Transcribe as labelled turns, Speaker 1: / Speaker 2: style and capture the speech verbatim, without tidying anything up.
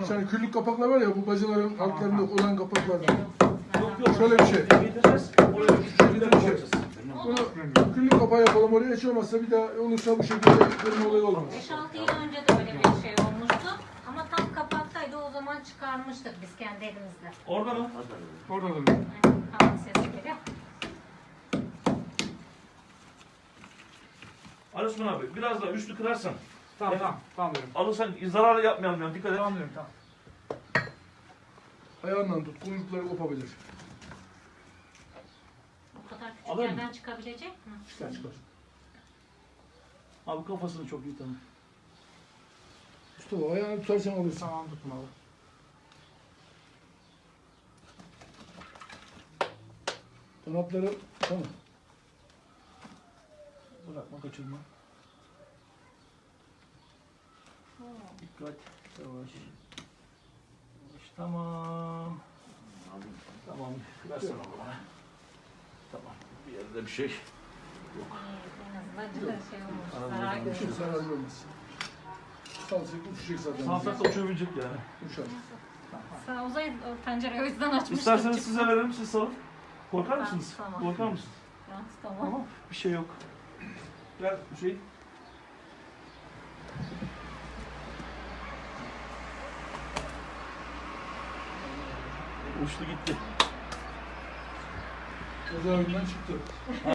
Speaker 1: Sen küllük kapaklar var ya bu bacaların altlarında olan kapaklardan.
Speaker 2: Yok yok.
Speaker 1: Şöyle bir şey.
Speaker 2: Getireceğiz. Oraya şu şekilde koyacağız.
Speaker 1: Bunu küllük kapağı yapalım oraya, hiç olmazsa bir daha olursa bu şekilde kırma olayı olmaz.
Speaker 3: beş altı yıl önce de öyle bir şey olmuştu. Ama tam kapaktaydı, o zaman çıkarmıştık biz kendi elimizle.
Speaker 2: Orada mı?
Speaker 1: Orada da.
Speaker 3: Yani kapak sesi geliyor.
Speaker 2: Ali Osman abi biraz daha üstü kırarsan.
Speaker 4: Tamam tamam. Tamam diyorum.
Speaker 2: Alırsan zarar yapmayalım yani, dikkat et.
Speaker 4: Tamam diyorum tamam.
Speaker 1: Ayağından tut, kuyrukları kopabilir.
Speaker 3: O kadar küçük
Speaker 2: Alır mı?
Speaker 3: yerden çıkabilecek mi?
Speaker 1: Çıkar çıkar.
Speaker 2: Abi kafasını çok iyi tanı.
Speaker 1: Mustafa ayağını tutarsan alırsın.
Speaker 4: Tamam tutun abi.
Speaker 1: Kanatları tamam.
Speaker 2: Bırakma, kaçırma. Dikkat. Yavaş. Yavaş. Tamam. Tamam. Versene onu bana. Tamam. Bir yerde bir şey.
Speaker 3: En azından şey olmuş.
Speaker 2: Yok.
Speaker 3: Zarar
Speaker 1: Uçur,
Speaker 3: görmüş.
Speaker 1: zarar görmez. Salsak uçacak zaten.
Speaker 2: Salsak da uçabilecek yani.
Speaker 1: Uçar.
Speaker 3: Sağ uzay o pencereyi o yüzden açmıştık.
Speaker 2: İsterseniz size verelim, siz salın. Korkar mısınız?
Speaker 3: Tamam.
Speaker 2: Korkar mısınız?
Speaker 3: Tamam.
Speaker 2: Tamam. Bir şey yok. Gel Hüseyin. Uçtu gitti.
Speaker 1: Cezaevinden çıktı.